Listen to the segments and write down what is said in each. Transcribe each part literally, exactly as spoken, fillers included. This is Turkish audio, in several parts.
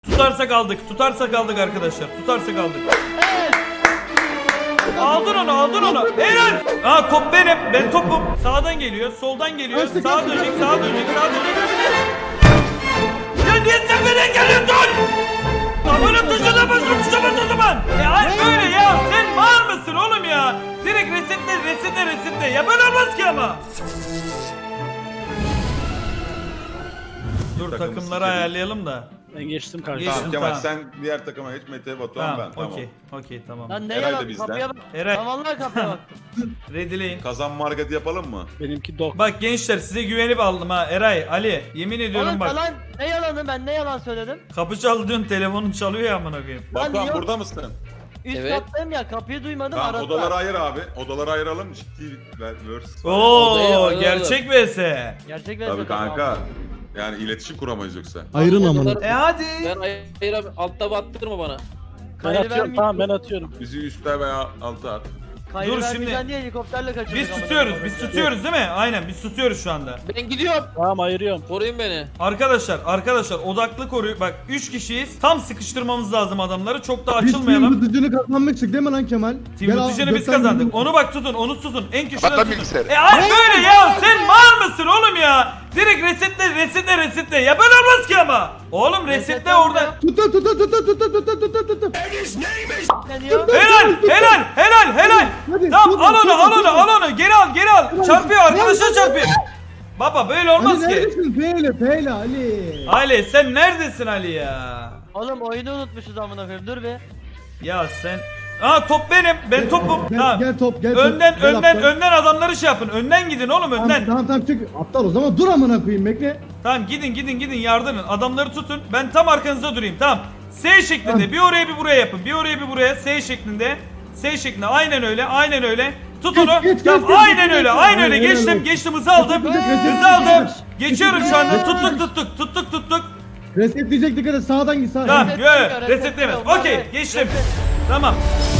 Tutarsak aldık. Tutarsak aldık arkadaşlar. Tutarsak aldık. Aldın onu, aldın onu. Helal. Aa top benim. Ben topum. Sağdan geliyor, soldan geliyor. Sağa dönecek, sağa dönecek, sağa dönecek. Ya niye sen beni engelliyorsun? Abone tuşuna basın, tuşa bas o zaman. E ay böyle ya. Sen var mısın oğlum ya? Direkt resetle, resetle, resetle. Ya böyle olmaz ki ama. Dur takımları ayarlayalım da. Ben geçtim karşı. Geçtim. Tamam Kemal Tamam. sen diğer takıma geç, Mete, Batuhan Tamam, ben. Tamam. okey. Okey tamam. Lan ne Eray da yalan bizden. kapıya bak. Eray. Lan vallahi kapıya bak. Ready'leyin. Kazanma hareketi yapalım mı? Benimki dok. Bak gençler size güvenip aldım ha. Eray, Ali. Yemin ediyorum Oğlum bak. yalan ne yalanı ben ne yalan söyledim? Kapı çaldı diyorsun, telefonun çalıyor ya amına koyayım. Batuhan yok. burada mısın? Üst Evet. kattayım ya kapıyı duymadım Tamam, aradılar. odaları ayır abi. Odaları ayıralım, ciddi verse. Odayı Oo, alalım. gerçek vs. Gerçek ve Tabii kanka. Yani iletişim kuramayız yoksa. Ayırın Odaları- amına. E hadi. Ben ayır abi, altta battırma bana. Ben Kayır atıyorum, vermeyeyim. tamam ben atıyorum. Bizi üstte veya alta at. Kayır Dur vermeyeceksin şimdi. diye helikopterle kaçırdık. Biz amına tutuyoruz, koyayım. biz tutuyoruz değil mi? Aynen biz tutuyoruz şu anda. Ben gidiyorum. Tamam ayırıyorum. Koruyun beni. Arkadaşlar, arkadaşlar odaklı koruyor. Bak üç kişiyiz. Tam sıkıştırmamız lazım adamları. Çok da Biz açılmayalım. film tutucunu kazanmıştık değil mi lan Kemal? Team Gel al, tutucunu biz gökten kazandık. bizim- Onu bak tutun, onu tutun. En köşeden Kapat lan tutun. bilgisayarı. E ay böyle ya. Sen var mısın oğlum ya? Direkt resetle, resetle, resetle. Ya böyle olmaz ki ama. Oğlum resetle Resetle orada. ya. Tutun tutun tutun tutun tutun tutun tutun. Ne diyor? Helal, helal, helal, helal. Hadi, Tamam tutun, al onu, tutun, al onu, tutun. al onu. Geri al, geri al. Çarpıyor, arkadaşlar çarpıyor. Baba böyle olmaz Ali ki. neredesin? Feyle feyle Ali. Ali sen neredesin Ali ya? Oğlum oyunu unutmuşuz amına koyayım dur be. Ya sen... Aa top benim, ben topum. Gel, Tamam. gel top gel top. Önden, Gel önden, aptal. önden adamları şey yapın. Önden gidin oğlum, Tamam, önden. tamam tamam çık. Aptal o zaman dur amına koyayım bekle. Tamam gidin, gidin, gidin yardırın. Adamları tutun. Ben tam arkanızda durayım. Tamam. S şeklinde. Tamam. Bir oraya bir buraya yapın. Bir oraya bir buraya. S şeklinde. S şeklinde. Aynen öyle. Aynen öyle. Tut Geç, onu. geç, Tamam, geç, geç, aynen geç, öyle. geç. Aynen öyle. Aynen Geçtim. öyle. Geçtim. Hızı aldım. Geç, geç, geç, Hızı aldım. geç. Geçiyorum şu anda. Geç. Tuttuk, tuttuk. Tuttuk, tuttuk. Resetleyecek dikkat et sağdan git sağdan. Tamam. Resetlemiyor, Yo, resetlemiyor. resetlemez. Bak, Okey. reset. Geçtim. Tamam.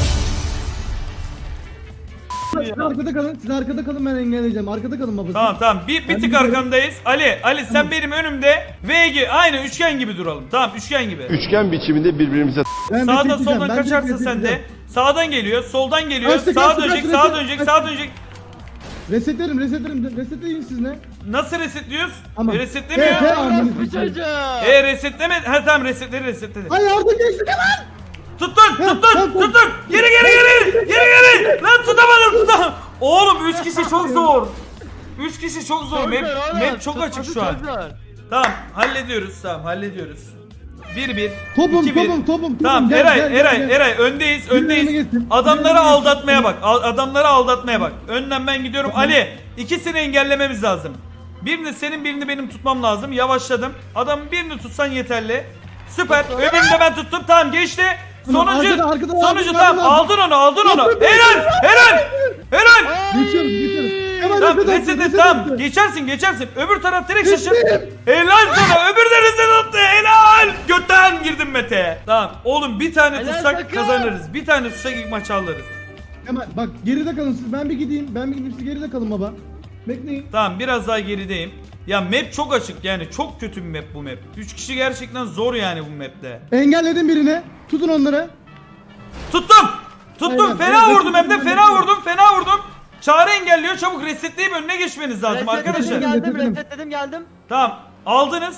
Siz arkada kalın. Siz arkada kalın ben engelleyeceğim. Arkada kalın babası. Tamam tamam. Bir, bir Ben tık gidiyorum. arkandayız. Ali, Ali sen benim önümde. V gibi. Aynı üçgen gibi duralım. Tamam üçgen gibi. Üçgen biçiminde birbirimize Ben Sağdan resetleyeceğim, soldan ben kaçarsa direkt sen de. resetleyeceğim. Sağdan geliyor, soldan geliyor. Kaçtı, Sağa kaçtı, dönecek, kaçtı, sağa kaçtı, dönecek, kaçtı. sağa dönecek. Resetlerim resetlerim. Resetleyin siz ne? Nasıl resetliyoruz? Tamam. E, resetlemiyor. He, he, amına Bu koyayım. çocuğu. E resetleme. Ha tamam resetledi resetledi. Ay yardım geçti Kemal. Tuttun, tamam, tuttun, tamam. tuttun. Geri geri geri. Geri geri. Lan tutamadım, tutamadım. Oğlum üç kişi çok zor. üç kişi çok zor. Çok Map, zor oğlum, map çok tutması açık şu an. çok zor. Tamam hallediyoruz. Tamam hallediyoruz. bir bir. Topum iki bir. topum topum. Tamam gel, Eray, gel, gel, Eray, gel. Eray öndeyiz, öndeyiz. önüme geçsin. Adamları Önüme geçsin. aldatmaya bak. Al- adamları aldatmaya bak. Önden ben gidiyorum. Ali, ikisini engellememiz lazım. Birini senin, birini benim tutmam lazım. Yavaşladım. Adamın birini tutsan yeterli. Süper. Öbürünü de ben tuttum. Tamam geçti. Tamam, Sonuncu, arkada, arkada, sonuncu arkada, tamam. arkada. Aldın onu, aldın onu. Yaptım, Helal, helal, helal. Geçiyoruz geçiyoruz. Kemal Tamam, reset attı, reset et, reset tamam. attı. Geçersin, geçersin. Öbür taraf direkt şaşır. Geçtim. Helal sana. Öbür de reset attı. Helal. Götten girdim Mete'ye. Tamam. Oğlum bir tane Helal tutsak takım. kazanırız. Bir tane tutsak ilk maçı alırız. Kemal bak geride kalın siz. Ben bir gideyim. Ben bir gideyim siz geride kalın baba. Bekleyin. Tamam biraz daha gerideyim. Ya map çok açık yani çok kötü bir map bu map. üç kişi gerçekten zor yani bu map'te. Engelledim birini. Tutun onları. Tuttum. Tuttum. Aynen, Fena evet, vurdum hem de evet, fena evet. vurdum. Fena vurdum. Çağrı engelliyor. Çabuk resetleyip önüne geçmeniz lazım Resetledim arkadaşlar. geldim Resetledim. resetledim geldim. Tamam. Aldınız.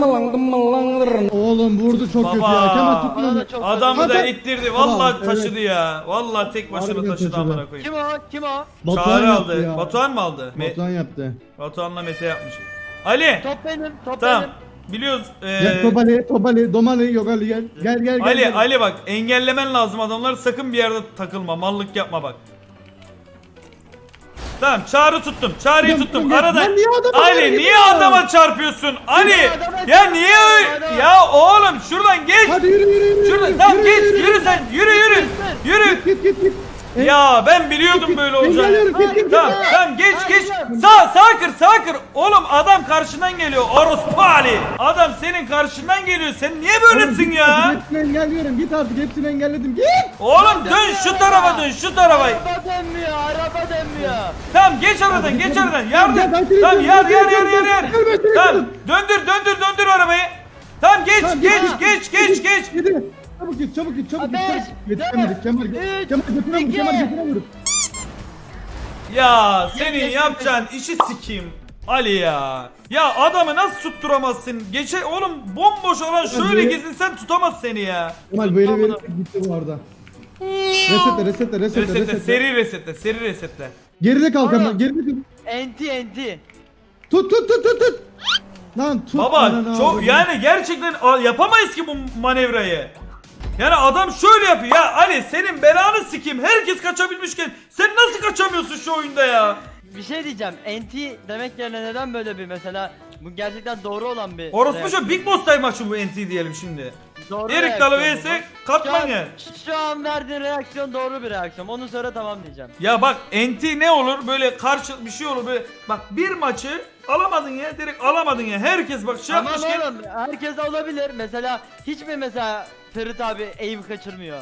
Oğlum vurdu çok kötü Baba. ya. Kemal tutun Bana onu. da çok Adamı da Zaten- ittirdi. Vallahi Tamam, taşıdı ya. Vallahi tek başına Harbiden taşıdı taşıdı. amına koyayım. Kim o? Kim o? Batuhan Çağrı yaptı aldı. ya. Batuhan mı aldı? Me- Batuhan yaptı. Batuhan'la Mete yapmış. Ali. Top benim, top Tamam. benim. Biliyoruz. Gel Ee, Tobali, Tobali, Domali yok Ali gel. Gel gel gel. Ali, gel. Ali bak engellemen lazım adamları, sakın bir yerde takılma, mallık yapma bak. Tamam Çağrı tuttum, Çağrı'yı Lan, tuttum. lan, Arada lan niye adama Ali böyle niye gidiyor? adama çarpıyorsun? Ali adama ya çarpıyor, niye öyle- adama. ya oğlum şuradan geç. Hadi yürü yürü yürü. Şuradan yürü, tamam yürü, geç, yürü, yürü sen, yürü yürü. Yürü. Git git git. Ya ben biliyordum böyle olacağını. Engelliyorum git git. Tamam git. tamam geç Hadi geç. canım. Sağ sağ kır sağ kır. Oğlum adam karşından geliyor. Orospu Ali. Adam senin karşından geliyor. Sen niye böylesin Oğlum, ya? Hepsini engelliyorum. Git artık hepsini engelledim. Git. Oğlum dön şu tarafa dön şu tarafa. Araba dönmüyor, araba dönmüyor. Tamam geç aradan geç aradan. Gel, Yardım. ben seni Tamam izliyorum, yar gel, yar gel, yar gel, yar gel, yar. gel, ben seni Tamam izliyorum. döndür döndür döndür arabayı. Tamam geç Tamam, geç git. geç geç geç. Yedi. Çabuk git çabuk git çabuk git. Beş, çabuk. Yetişemedik Kemal. üç, Kemal götüne vur iki. Kemal götüne vur. Ya senin geç, yapacağın işi sikeyim. Ali ya. Ya adamı nasıl tutturamazsın? Geçe oğlum bomboş olan şöyle Hadi. gezinsen tutamaz seni ya. Kemal böyle Tamam. bir gitti bu arada. Resetle resetle resetle Resetle, resetle. seri resetle, seri resetle. Geride kal Kemal Oğlum. geride kal. Enti enti. Tut tut tut tut tut. Lan tut. Baba ananı çok avradını. yani gerçekten a- yapamayız ki bu manevrayı. Yani adam şöyle yapıyor ya Ali senin belanı sikeyim. Herkes kaçabilmişken sen nasıl kaçamıyorsun şu oyunda ya? Bir şey diyeceğim. Enti demek yerine neden böyle bir mesela bu gerçekten doğru olan bir Orospu reaksiyon. şu Big Boss Time maçı bu N T diyelim şimdi. Doğru Erik Dalı reaksiyon vs bu. Şu an, Katmanger. şu an verdiğin reaksiyon doğru bir reaksiyon. Onu sonra tamam diyeceğim. Ya bak N T ne olur böyle karşı bir şey olur böyle. Bak bir maçı alamadın ya direkt alamadın ya. Herkes bak şey Tamam yapmışken. oğlum herkes olabilir. Mesela hiç mi mesela Ferit abi aim kaçırmıyor?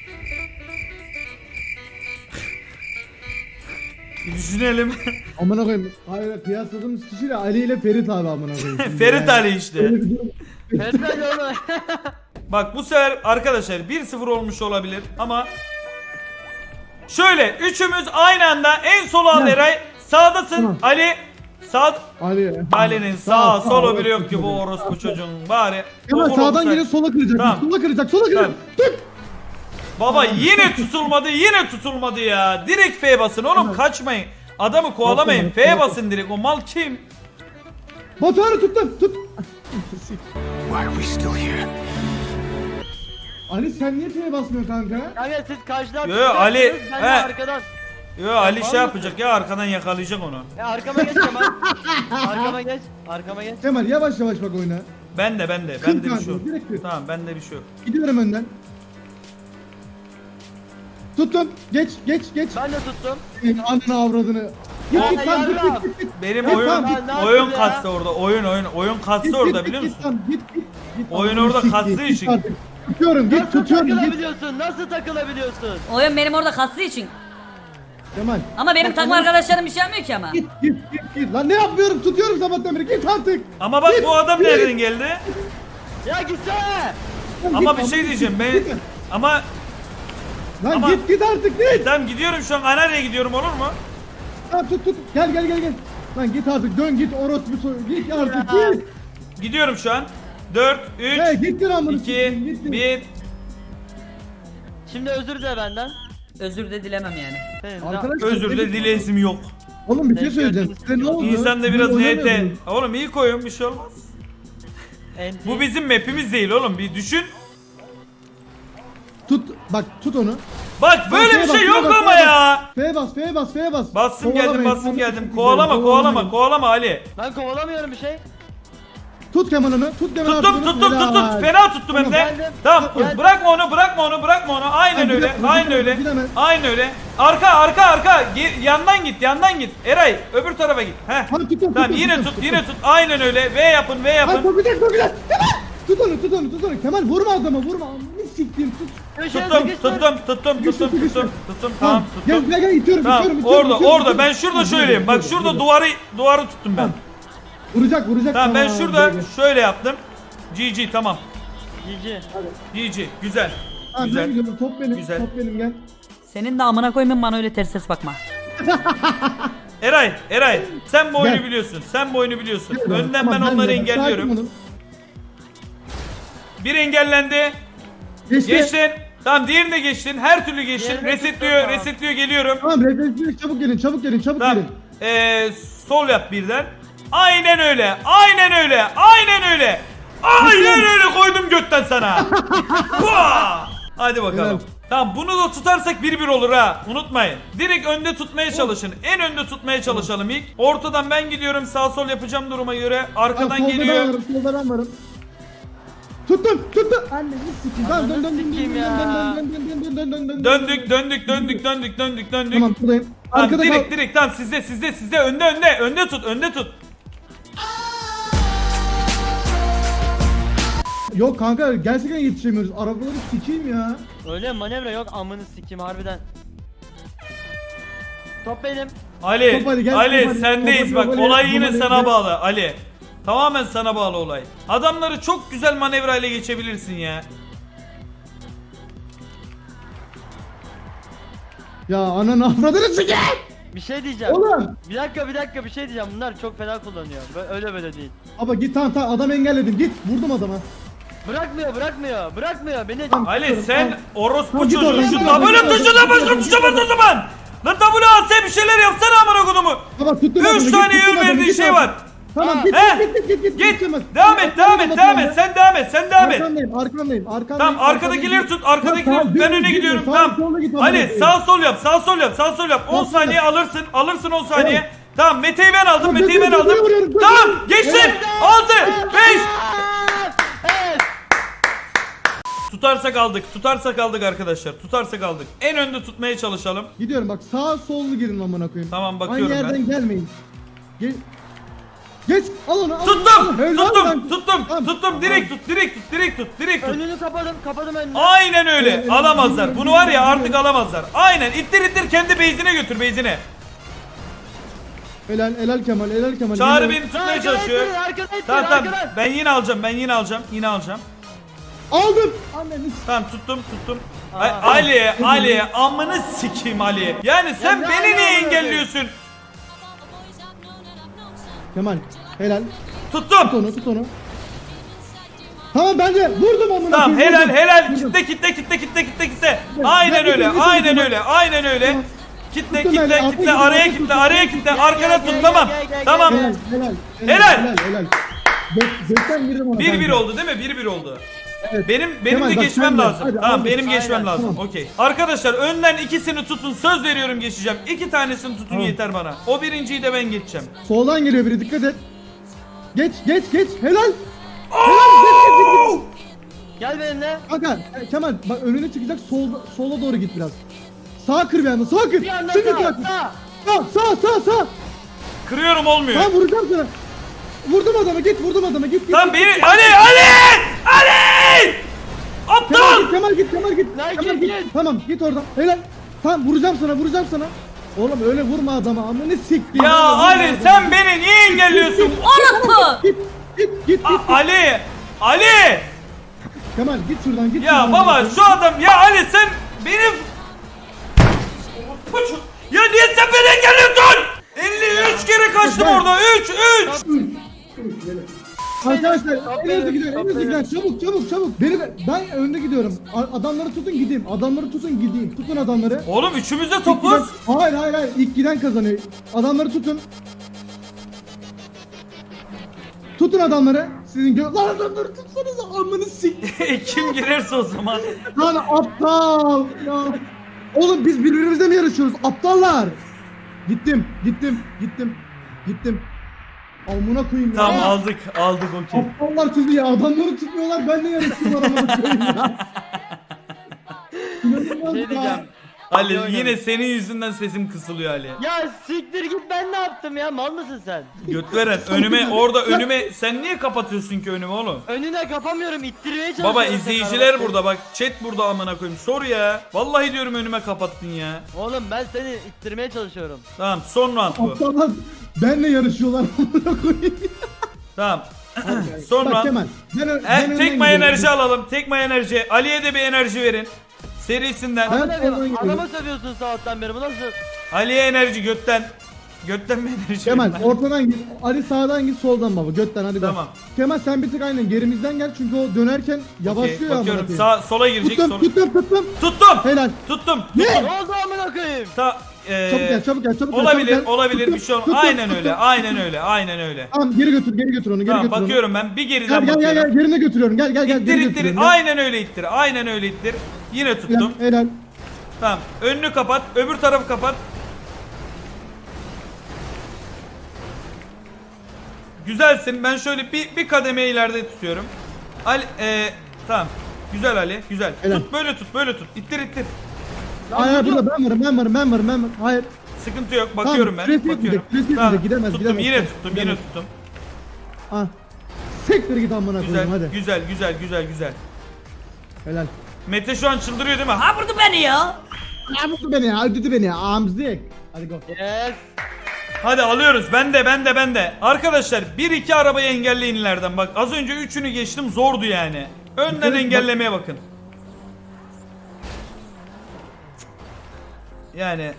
Bir düşünelim. Amına koyayım. Hayır kıyasladığımız kişiyle Ali ile Ferit abi amına koyayım. Şimdi Ferit yani. Ali işte. Öyle bir durum. Ferit abi oğlum. Bak bu sefer arkadaşlar bir sıfır olmuş olabilir ama şöyle üçümüz aynı anda en sola al Ya. Eray. Sağdasın Tamam. Ali. Sağ Ali. Ali'nin sağ solu bile yok ki bu orospu çocuğun bari. Kemal okul sağdan olsa- geliyor sola kıracak. Tamam. Sola kıracak sola kıracak. Tamam. Tut. Baba yine tutulmadı yine tutulmadı ya. Direkt F basın oğlum Tamam. kaçmayın. Adamı kovalamayın. Tamam, tamam. F basın direkt. O mal kim? Batuhan'ı tuttum. Tut. Why are we still here? Ali sen niye T'ye basmıyorsun kanka? Kanka siz karşıdan Yo, yo, Ali, ben he. de arkadan. Yo Ali var şey mı? yapacak ya arkadan yakalayacak onu. E, arkama geç Kemal. Arkama geç. Arkama geç. Kemal yavaş yavaş bak oyuna. Ben de ben de Kır bende bir kanka, şey yok. direkt kır. Tamam bende bir şey yok. Gidiyorum önden. Tuttum. Geç geç geç. Ben de tuttum. Senin ananı avradını. Git Ya, git lan git yarrağım. git git. git. Benim Git oyun lan, git. Ne oyun yaptın ya? kastı orada. Oyun oyun oyun kastı Git, orada git, biliyor git, musun? lan, Git git git. Oyun Ananı orada sikeyim, kastığı git için. artık. Tutuyorum git Nasıl tutuyorum git. takılabiliyorsun? Nasıl takılabiliyorsun? Oyun benim orada kastığı için. Kemal. Ama benim Bak, takım ananı- arkadaşlarım bir şey yapmıyor ki ama. Git git git git. Lan ne yapmıyorum tutuyorum sabahtan beri git artık. Ama bak Git, bu adam git. nereden geldi? Ya gitsene. Lan Ama git, bir şey lan, diyeceğim git, ben git. ama Lan ama- git git artık git. tamam gidiyorum şu an Anarya gidiyorum olur mu? Lan tut tut gel gel gel gel. Lan git artık dön git orospu soy. Git artık Ya. git. Gidiyorum şu an. dört, He üç, gittin amına iki, sikeyim, gittin. bir. Şimdi özür dile benden. Özür de dilemem yani. Senin Arkadaşlar Özür de dilesim yok. Oğlum bir şey Denk söyleyeceğim. gördünüz. Size ne oldu? İnsan da Siz biraz N T. oynamıyordunuz. Oğlum iyi koyun bir şey olmaz. Enti. Bu bizim map'imiz değil oğlum bir düşün. Tut bak tut onu. Bak böyle F'ye bir bas, şey F'ye yok bas, ama F'ye ya. F'ye bas F'ye bas F'ye bas. Bastım geldim Kovalamayın, bastım kovalamayın, geldim. Kovalama kovalama kovalama Ali. Ben kovalamıyorum bir şey. Tut Kemal onu. Tut Kemal Tuttum artık onu. tuttum tuttum. Helal. Fena tuttum hem de. Geldim. Tamam Geldim. bırakma onu bırakma onu bırakma onu. Aynen Ay, öyle. gidemez, Aynen gidemez, öyle. gidemez. Aynen öyle. Arka arka arka. Ge- yandan git yandan git. Eray öbür tarafa git. Heh. Tamam, tutuyorum, Tamam tutuyorum, yine tutuyorum, tut yine tut. Aynen öyle. V yapın V Ay yapın. sokacak sokacak. Kemal. Tut onu tut onu tut onu. Kemal vurma adama vurma. Ne siktiğim tut. Köşeye Tuttum sıkıştır. tuttum tuttum Sıkıştır, tuttum sıkıştır. tuttum tuttum tamam Gel tuttum. gel gel itiyorum Tamam itiyorum itiyorum. orada itiyorum, orada itiyorum. ben şurada Tamam, şöyleyim. Bak dur, şurada dur. duvarı duvarı tuttum ben. Tamam. Vuracak vuracak. Tamam ben Tamam, şurada böyle. şöyle yaptım. G G tamam. Cici. G G güzel. Tamam, Güzel. ben gidiyorum. Top benim. Güzel. Top benim gel. Senin de amına koymayın bana öyle ters ses bakma. Eray, Eray sen bu oyunu Gel. biliyorsun. Sen bu oyunu biliyorsun. Gel. Önden Tamam, ben onları de. engelliyorum. Sakin olun. Bir engellendi. Geçti. Geçtin. Tamam diğerini de geçtin. Her türlü geçtin. Diğerini Resetliyor, tuttum, tamam. resetliyor geliyorum. Tamam refleksiyonu çabuk gelin çabuk gelin çabuk Tamam. gelin. Ee, sol yap birden. Aynen öyle. Aynen öyle. Aynen öyle. Aynen öyle koydum götten sana. Hua! Hadi bakalım. Helal. Tamam bunu da tutarsak bir bir olur ha. Unutmayın. Direkt önde tutmaya çalışın. En önde tutmaya çalışalım ilk. Ortadan ben gidiyorum. Sağ sol yapacağım duruma göre. Arkadan Tamam, solda geliyor. ben varım solda ben varım. Tuttum tuttum. Anneni sikeyim. Tamam dön dön dön dön sikeyim dön ya. dön dön dön dön dön dön dön. Döndük döndük döndük döndük döndük döndük. Tamam buradayım. Tamam, Arkada direkt kal. direkt tamam sizde sizde sizde önde önde önde tut önde tut. Yok kanka gerçekten yetişemiyoruz. Arabaları sikeyim ya. Öyle manevra yok amını sikeyim harbiden. Top benim. Ali Top Ali, gel, Ali top Ali, sendeyiz top bak Ali, olay top yine Ali, sana gel. bağlı Ali. Tamamen sana bağlı olay. Adamları çok güzel manevrayla geçebilirsin ya. Ya ananı avradını sikeyim. Bir şey diyeceğim. Oğlum. Bir dakika bir dakika bir şey diyeceğim. Bunlar çok fena kullanıyor. Bö- Öyle böyle değil. Baba git tamam tamam adam engelledim git vurdum adama. Bırakmıyor bırakmıyor bırakmıyor beni. Tamam. Ali sen orospu Tamam, git çocuğu oradan, şu git oradan, W git oradan, tuşuna git başka oradan, tuşa git bas o oradan. zaman. Lan W A S bir şeyler yapsana amına kodumu. Baba tuttum adamı, üç git, saniye tuttum ön adamı, verdiği git şey oradan. var. Tamam Ha. git He? git git git git. Git. Kemal. Devam et, devam et, devam et. Sen devam et, sen devam et. Arkandayım arkandayım arkandayım. Tamam arkadakileri tut, arkadakileri tut. Ben öne gidiyorum. Tamam. Ali sağ sol yap, sağ sol yap, sağ sol yap. on Tamam, saniye tamam. alırsın, alırsın on saniye. Tamam. Tamam Mete'yi ben aldım, Tamam, Mete'yi ben götür, aldım. götür, götür, Tamam götür. geçtim. Evet. altı, beş. Evet. Tutarsak aldık, tutarsak aldık arkadaşlar. Tutarsak aldık. En önde tutmaya çalışalım. Gidiyorum bak sağ sollu girin amına koyayım. Tamam, bakıyorum Aynı ben. yerden gelmeyin. Ge Geç al onu al. onu, al Tuttum, onu. Helal tuttum, lan. tuttum, Tamam. tuttum. Direkt tut, direkt tut, direkt tut, direkt tut. Önünü kapadım kapadım önünü. Aynen öyle. Evet, Alamazlar. evet, Bunu var ya evet, artık evet. alamazlar. Aynen. İttir ittir kendi base'ine götür base'ine. Helal helal Kemal helal Kemal. Çağrı helal. beni tutmaya Arkada çalışıyor. ittirin, arkada ittirin, Tamam tamam. arkadan. Ben yine alacağım. Ben yine alacağım. Yine alacağım. Aldım. Anneni s- Tamam tuttum tuttum. Aa. Ay, Ali'ye Ali'ye amını sikeyim Ali'ye. Yani sen ne beni Ali niye abi? engelliyorsun? Kemal helal. Tut Tuttum. onu tut onu. Tamam ben de vurdum amına Tamam koyayım, helal vurdum. helal. Vurdum. Kitle kitle kitle kitle kitle kitle. Ben Aynen bir öyle. kere Aynen vurdum. öyle. Aynen öyle. Tamam. Kitle Tuttum kitle ben, kitle altı araya gibi, kitle altı araya gibi. kitle Gel, arkada gel, tut gel, tamam. gel, gel, Tamam. gel. Helal helal. Helal. Helal helal. Be- Bekten girdim ona. bir bir kanka. oldu değil mi? bir bir oldu. Evet. Benim benim Kemal, de bak geçmem sen de. lazım. Hadi, tamam hadi. benim geçmem Aynen, lazım. tamam. Okey. Arkadaşlar önden ikisini tutun. Söz veriyorum geçeceğim. İki tanesini tutun Tamam. yeter bana. O birinciyi de ben geçeceğim. Soldan geliyor biri dikkat et. Geç geç geç helal. Helal geç geç geç. geç. Gel benimle. Kanka e, Kemal bak önüne çıkacak solda sola doğru git biraz. Sağa kır bir anda sağa kır. Bir anda Şimdi sağ bırak. sağ. Sağ sağ sağ sağ. Kırıyorum olmuyor. Tamam vuracağım sana. Vurdum adamı git vurdum adamı git git. Tamam git. beni Ali Ali Ali! Kemal Aptal! git Kemal git Kemal git. Lan Kemal git, git. git. Tamam git oradan. Helal. Tamam vuracağım sana vuracağım sana. Oğlum öyle vurma adama amına siktir. Ya Ali sen beni niye engelliyorsun? Orospu! Git git git git. A- Ali! Ali! Kemal git şuradan git. Ya şuradan. baba şu adam ya Ali sen benim ya niye sen beni engelliyorsun? elli üç kere kaçtım Ben- orada. üç üç. Arkadaşlar Top en hızlı verin, gidiyorum en top hızlı verin. gidiyorum çabuk çabuk çabuk. Beni ben önde gidiyorum. A- Adamları tutun gideyim. Adamları tutun gideyim. Tutun adamları. Oğlum üçümüz de İlk topuz. giden- Hayır hayır hayır ilk giden kazanıyor. Adamları tutun. Tutun adamları. Sizin gö... Lan adamları tutsanıza amını sik. Kim girerse o zaman. Lan aptal. Ya. Oğlum biz birbirimizle mi yarışıyoruz? Aptallar. Gittim gittim gittim gittim. Amına koyayım ya. Tamam aldık aldık okey. Aptallar sizi ya adamları tutmuyorlar benle yarışıyorlar amına koyayım ya. İnanılmaz Şey ya. diyeceğim. Ali Hadi yine oynayalım. senin yüzünden sesim kısılıyor Ali. Ya siktir git ben ne yaptım ya mal mısın sen? Götveren önüme orada önüme sen niye kapatıyorsun ki önümü oğlum? Önüne kapamıyorum ittirmeye çalışıyorum. Baba tekrar izleyiciler bak. burada bak chat burada amına koyayım sor ya. Vallahi diyorum önüme kapattın ya. Oğlum ben seni ittirmeye çalışıyorum. Tamam son round bu. Aptallar benle yarışıyorlar amına koyayım. Tamam. son Bak round. Kemal. Ben, ö- E, ben önden tek may gidiyorum. enerji alalım. Tek may enerji. Ali'ye de bir enerji verin. Serisinden. Ben Adama, oradan gidiyorum. adama sövüyorsun sabahtan beri bu nasıl? Ali'ye enerji götten. Götten mi enerji Kemal verin? ortadan git. Ali sağdan git soldan baba. Götten hadi Tamam. bak. Kemal sen bir tık aynen gerimizden gel çünkü o dönerken Okey, yavaşlıyor ya amına bakıyorum koyayım. sağ sola girecek. Tuttum Sola... tuttum tuttum. Tuttum. Helal. Tuttum. Ne? Tuttum. Ne oldu amına koyayım? Ta, e, Çabuk gel çabuk gel çabuk gel. olabilir, çabuk gel. olabilir Tuttum, bir şey olmaz. tuttum, Aynen tuttum. öyle. Aynen öyle. Aynen öyle. Tamam geri götür geri götür onu geri Tamam götür bakıyorum ben. Bir onu. geriden Gel gel gel bakıyorum. gel yerine götürüyorum gel gel gel İttir geri ittir. götürüyorum. gel. Aynen öyle ittir. Aynen öyle ittir. Yine tuttum. Helal, helal. Tamam. Önünü kapat. Öbür tarafı kapat. Güzelsin. Ben şöyle bir bir kademe ileride tutuyorum. Ali e, tamam. Güzel Ali. Güzel. Helal. Tut böyle tut. Böyle tut. İttir ittir. Hayır hayır, burada ben varım ben varım ben varım ben varım. Hayır. Sıkıntı yok. Bakıyorum ben. süresi Bakıyorum. gidecek, süresi Tamam. gidecek. Gidemez, Tuttum. gidemez. Yine tuttum. Yine Gidemez. tuttum. Ah. Sektir git amına Güzel. koyayım hadi. Güzel. Güzel. Güzel. Güzel. Helal. Mete şu an çıldırıyor değil mi? Ha Ha vurdu beni ya. Ya mutlu beni ya öldürdü beni ya amzik. Hadi go. Yes. Hadi alıyoruz. Ben de ben de ben de. Arkadaşlar bir iki arabayı engelleyin ileriden. Bak az önce üçünü geçtim zordu yani. Önden Evet, engellemeye bakın. Yani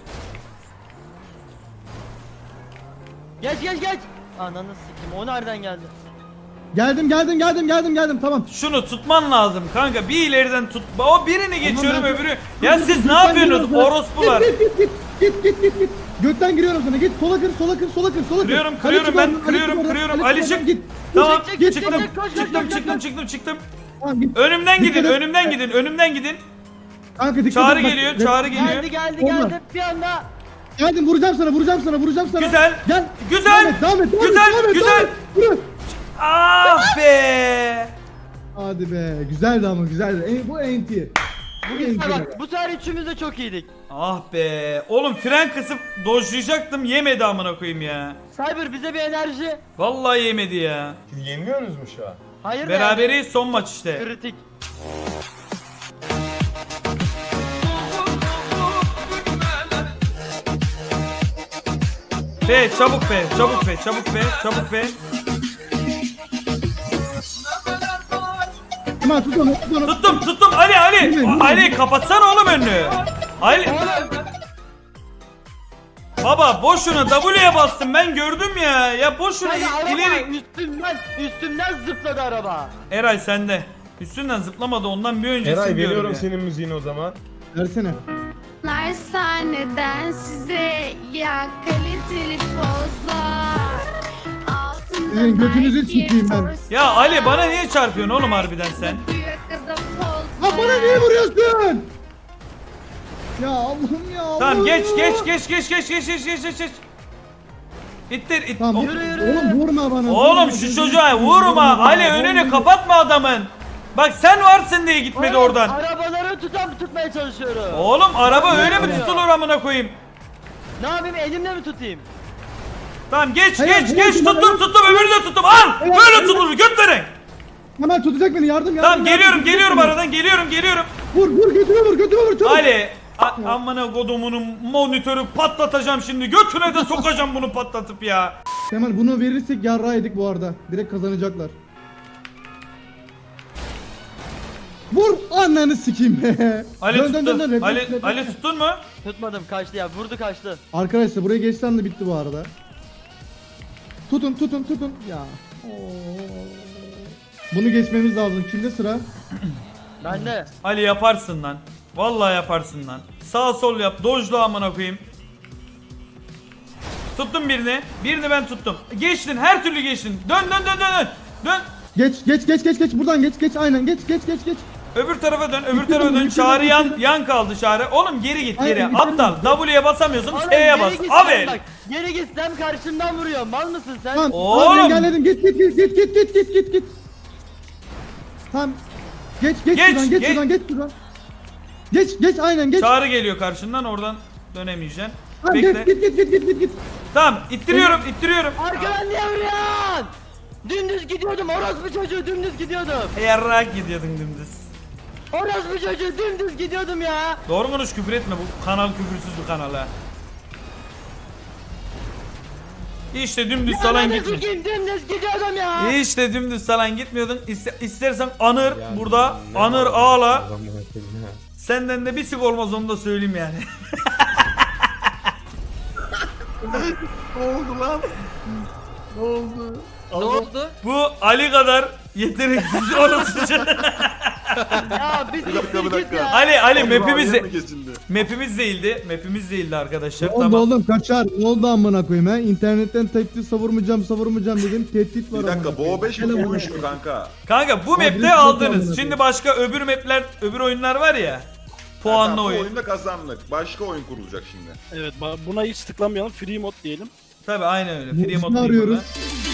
Geç geç geç. Ananı sikeyim o nereden geldi? Geldim geldim geldim geldim geldim tamam. şunu tutman lazım kanka. Bir ileriden tut. O birini geçiyorum ben- öbürü. Ya siz ne Gökten yapıyorsunuz giriyorum sana. orospular? Git git git git git git git. Gökten giriyorum sana git sola kır sola kır sola kır sola kır. Kırıyorum Ali kırıyorum çık ben oradan, Ali kırıyorum çık oradan, kırıyorum. Ali Ali çık çık. oradan, git. Tamam Çık, çık, git, çıktım çık, koş, koş, çıktım koş, çıktım koş. çıktım çıktım. Tamam git. Önümden Dikkat gidin et. önümden gidin önümden gidin. Kanka dikkat Çağrı et, bak. geliyor Gel- çağrı geliyor. Geldi geldi Olma. geldi bir anda. Geldim vuracağım sana vuracağım sana vuracağım sana. Güzel. Gel. Güzel. Devam et devam et. Devam Güzel, et, devam et, güzel. devam et. Vur. Ah be. Hadi be güzeldi ama güzeldi. E, bu N T. Bu Bu N sefer T. bak bu sefer üçümüz de çok iyiydik. Ah be. Oğlum fren kısıp dojlayacaktım yemedi amına koyayım ya. Cyber bize bir enerji. Vallahi yemedi ya. Yeniliyorsunuz mu şu an? Hayır da Beraberiz son maç yani. işte. Kritik. Be çabuk be çabuk be çabuk be çabuk be. Tamam tut onu tut onu. Tuttum tuttum Ali Ali. Ali kapatsana oğlum önünü. Ali. Baba boşuna W'ye bastım ben gördüm ya. Ya boşuna Kanka araba ileri. üstümden üstümden zıpladı araba. Eray sende. Üstünden zıplamadı ondan bir öncesi Eray diyorum veriyorum ya. senin müziğini o zaman. Versene. Lar sahneden size ya kaliteli pozlar. Altında Sizin götünüzü Nike sikeyim ben. Force Ya Ali bana niye çarpıyorsun oğlum harbiden sen? yakada pozlar. Ha bana niye vuruyorsun? Ya Allah'ım ya Allah'ım. Tamam geç ya. geç geç geç geç geç geç geç geç geç. İttir it. Tamam. O- Yürü, yürü. Oğlum vurma bana. Oğlum vurma, şu vurma, çocuğa vurma, vurma. vurma, Ali vurma, önünü vurma. kapatma adamın. Bak sen varsın diye gitmedi Oğlum, oradan. Arabaları tutam tutmaya çalışıyorum. Oğlum araba öyle mi vuruyor? tutulur amına koyayım? Ne yapayım elimle mi tutayım? Tamam geç Hayır, geç hayır, geç hayır. tuttum tuttum öbürünü de tuttum al. Hayır, Böyle hayır. tutulur götlerin. Hemen tutacak beni yardım yardım. Tamam yardım, geliyorum tutacak geliyorum beni. aradan geliyorum geliyorum. Vur vur götüme vur götüme vur çabuk. Ali a- amına kodumunun monitörü patlatacağım şimdi. Götüne de sokacağım bunu patlatıp ya. Kemal bunu verirsek yarrağı yedik bu arada. Direkt kazanacaklar. Vur ananı sikeyim be. Ali Dön, dön, dön, tuttun. dön, refleks, Ali refleks. Ali tuttun mu? Tutmadım kaçtı ya vurdu kaçtı. Arkadaşlar buraya geçten de bitti bu arada. Tutun tutun tutun. Ya. Oo. Bunu geçmemiz lazım. Kimde sıra? Ben de. Ali yaparsın lan. Vallahi yaparsın lan. Sağ sol yap. Dojla amına koyayım. Tuttum birini. Birini ben tuttum. Geçtin. Her türlü geçtin. Dön dön dön dön dön. Dön. Geç geç geç geç geç buradan geç geç aynen geç geç geç geç. Öbür tarafa dön. Öbür Bitti tarafa mi? dön. Bitti Çağrı mi? yan Bitti mi? yan kaldı Çağrı. Oğlum geri git geri. Aynen, bitti mi? Aptal. W'ye basamıyorsun. Oğlum, S'ye bas. geri gitsem Avel. bak, geri gitsem karşımdan vuruyor. Mal mısın sen? Tamam. Oğlum. Tamam engelledim. Git git git git git git git git git. Tamam. Geç geç Geç, şuradan geç geç. şuradan geç şuradan. Geç geç aynen geç. Çağrı geliyor karşından. Oradan dönemeyeceksin. Tamam, Bekle. geç git git git git git git. Tamam. ittiriyorum. ittiriyorum. Arkadan niye vuruyorsun? Dümdüz gidiyordum. Orospu çocuğu dümdüz gidiyordum. Yarrak gidiyordun dümdüz. Orospu çocuğu dümdüz gidiyordum ya. Doğru konuş küfür etme. Bu kanal küfürsüz bir kanal ha. İşte dümdüz salan Ananı gitme. sikeyim, dümdüz gidiyordum ya. İşte dümdüz salan gitmiyordun. İste, istersen anır burada. Anır ağla. Senden de bir sik olmaz onu da söyleyeyim yani. Ne oldu? Bu Ali kadar yeteneksiz orası. Ya biz Bir dakika bir git dakika. ya. Ali Ali Acaba map'imiz araya de mı kesildi? map'imiz değildi. Map'imiz değildi arkadaşlar. Ne oldu Tamam. oğlum kaçar? Ne oldu amına koyayım ha? İnternetten tehdit savurmayacağım savurmayacağım dedim. Tehdit var Bir dakika bu o beş mi Gel olmuş amına mu kanka? Kanka bu Abi, map'te lütfen aldınız. amına Şimdi başka öbür map'ler, öbür oyunlar var ya. Puanlı Tamam, bu oyun. oyunda kazandık. Başka oyun kurulacak şimdi. Evet ba- buna hiç tıklamayalım. Free mod diyelim. Tabi aynen öyle. Free Biz mod ne değil arıyoruz? burada.